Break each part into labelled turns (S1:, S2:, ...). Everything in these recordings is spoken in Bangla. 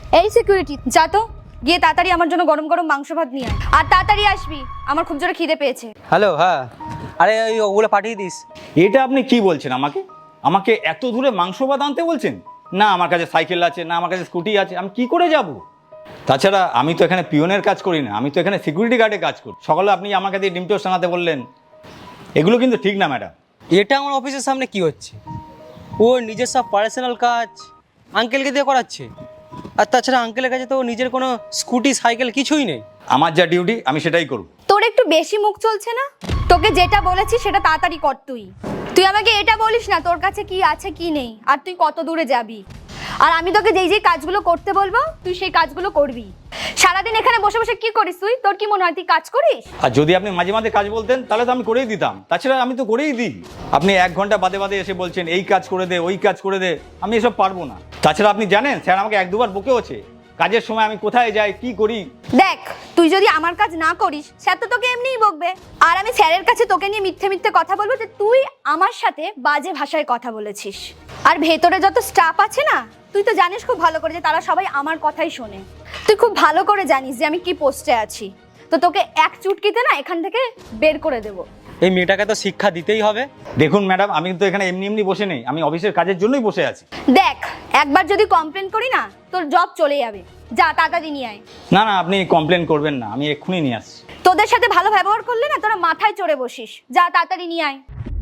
S1: এই সিকিউরিটি, যা তো গিয়ে তাড়াতাড়ি আমার জন্য গরম গরম মাংস ভাত নিয়ে আয়, আর তাড়াতাড়ি আসবি, আমার খুব জোরে খিদে পেয়েছে।
S2: হ্যালো, হ্যাঁ, আরে ওই ওগুলো পাঠিয়ে দিস।
S3: এটা আপনি কি বলছেন আমাকে? আমাকে এত দূরে মাংস ভাত আনতে বলছেন? না আমার কাছে সাইকেল আছে, না আমার কাছে স্কুটি আছে, আমি কি করে যাব? তাছাড়া আমি তো এখানে পিয়নের কাজ করি না, আমি তো এখানে সিকিউরিটি গার্ডে কাজ করি। সকালে আপনি আমার কাছে ডিম টোস্ট আনাতে বললেন, এগুলো কিন্তু ঠিক না ম্যাডাম।
S2: এটা আমার অফিসের সামনে কি হচ্ছে? ওর নিজের সব পার্সোনাল কাজ আঙ্কেলকে দিয়ে করাচ্ছে। আর তাছাড়া আঙ্কেলের কাছে তো নিজের কোনো স্কুটি সাইকেল কিছুই নেই।
S3: আমার যা ডিউটি আমি সেটাই করব।
S1: তোর একটু বেশি মুখ চলছে না? তোকে যেটা বলেছি সেটা তাড়াতাড়ি কর। তুই আমাকে এটা বলিস না তোর কাছে কি আছে কি নেই, আর তুই কত দূরে যাবি। আর আমি তোকে যেই যেই কাজগুলো করতে বলবো তুই সেই কাজগুলো করবি। সারাদিন এখানে বসে বসে কি করিস তুই? তোর কি মনে হয় তুই কাজ করিস?
S3: আর যদি আপনি মাঝে মাঝে কাজ বলতেন তাহলে তো আমি করেই দিতাম। তাছাড়া আমি তো করেই দিই। আপনি 1 ঘন্টা বাদে বাদে এসে বলছেন এই কাজ করে দে, ওই কাজ করে দে, আমি এসব পারবো না। তাছাড়া আপনি জানেন স্যার আমাকে 1-2 বার বকেওছে কাজের সময় আমি কোথায় যাই কি করি।
S1: দেখ, তুই যদি আমার কাজ না করিস স্যার তো তোকে এমনিই বকবে। আর আমি স্যারের কাছে তোকে নিয়ে মিথ্যে মিথ্যে কথা বলবো যে তুই আমার সাথে বাজে ভাষায় কথা বলেছিস। আর ভেতরে যত স্টাফ আছে না, তুই তো জানিস খুব ভালো করে যে তারা সবাই আমার কথাই শোনে। তুই খুব ভালো করে জানিস যে আমি কি পোস্টে আছি। তো তোকে এক চুটকিতে না এখান থেকে বের করে দেবো।
S2: এই মেয়েটাকে তো শিক্ষা দিতেই হবে।
S3: দেখুন ম্যাডাম, আমি তো এখানে এমনি এমনি বসে নেই, আমি অফিসের কাজের জন্যই বসে আছি।
S1: দেখ, একবার যদি কমপ্লেন করি না তোর জব চলে যাবে। যা তাড়াতাড়ি নিয়ে আয়।
S3: না না, আপনি কমপ্লেন করবেন না, আমি এক্ষুনি নিয়ে আসছি।
S1: তোদের সাথে ভালো ব্যবহার করলে না তোরা মাথায় চড়ে বসিস। যা তাড়াতাড়ি নিয়ে আয়।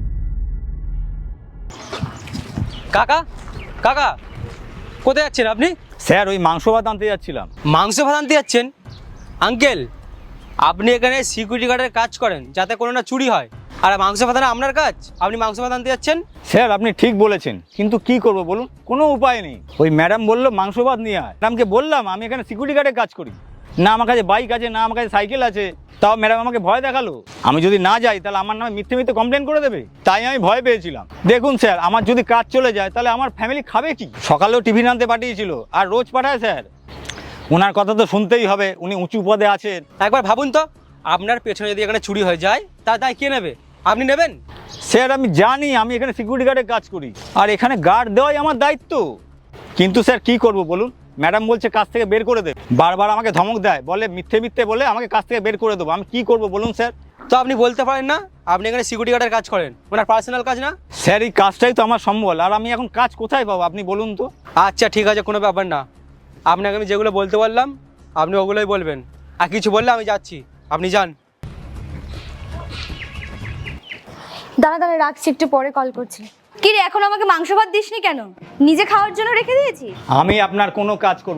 S2: কাকা, কাকা, কোথায় যাচ্ছেন আপনি?
S3: স্যার ওই মাংস ভাত আনতে যাচ্ছিলাম।
S2: মাংস ভাত আনতে যাচ্ছেন? আঙ্কেল, আপনি এখানে সিকিউরিটি গার্ডের কাজ করেন যাতে কোনো না চুরি হয়, আর মাংস ভাত আনা আপনার কাজ? আপনি মাংস ভাত আনতে যাচ্ছেন?
S3: স্যার আপনি ঠিক বলেছেন, কিন্তু কি করব বলুন, কোনো উপায় নেই। ওই ম্যাডাম বললো মাংস ভাত নিয়ে আয়। ম্যাডামকে বললাম আমি এখানে সিকিউরিটি গার্ডে কাজ করি, না আমার কাছে বাইক আছে, না আমার কাছে সাইকেল আছে। তাও ম্যাডাম আমাকে ভয় দেখালো, আমি যদি না যাই তাহলে আমার নামে মিথ্যে মিথ্যে কমপ্লেন করে দেবে। তাই আমি ভয় পেয়েছিলাম। দেখুন স্যার, আমার যদি কাজ চলে যায় তাহলে আমার ফ্যামিলি খাবে কি? সকালেও টিফিন আনতে পাঠিয়েছিল, আর রোজ পাঠায় স্যার। ওনার কথা তো শুনতেই হবে, উনি উঁচু পদে আছেন।
S2: একবার ভাবুন তো, আপনার পেছনে যদি এখানে চুরি হয়ে যায় তার দায় কে নেবে? আপনি নেবেন?
S3: স্যার আমি জানি আমি এখানে সিকিউরিটি গার্ডে কাজ করি, আর এখানে গার্ড দেওয়াই আমার দায়িত্ব। কিন্তু স্যার কি করব বলুন, ম্যাডাম বলছে কাজ থেকে বের করে দেবে, বারবার আমাকে ধমক দেয়, বলে মিথ্যে মিথ্যে বলে আমাকে কাজ থেকে বের করে দেবো। আমি কি করব বলুন স্যার?
S2: তো আপনি বলতে পারেন না আপনি এখানে সিকিউরিটি গার্ডের কাজ করেন, ওনার পার্সোনাল কাজ না?
S3: স্যার এই কাজটাই তো আমার সম্বল, আর আমি এখন কাজ কোথায় পাবো আপনি বলুন তো?
S2: আচ্ছা ঠিক আছে, কোনো ব্যাপার না। আপনাকে আমি যেগুলো বলতে বললাম আপনি ওগুলোই বলবেন, আর কিছু বললে আমি যাচ্ছি, আপনি যান।
S1: দাঁড়া দাঁড়া, রাখছি, একটু পরে কল করছি। কি রে, এখন আমাকে মাংস ভাত দিসনি কেন? নিজে খাওয়ার জন্য রেখে দিয়েছি।
S3: আমি আপনার কোনো কাজ করব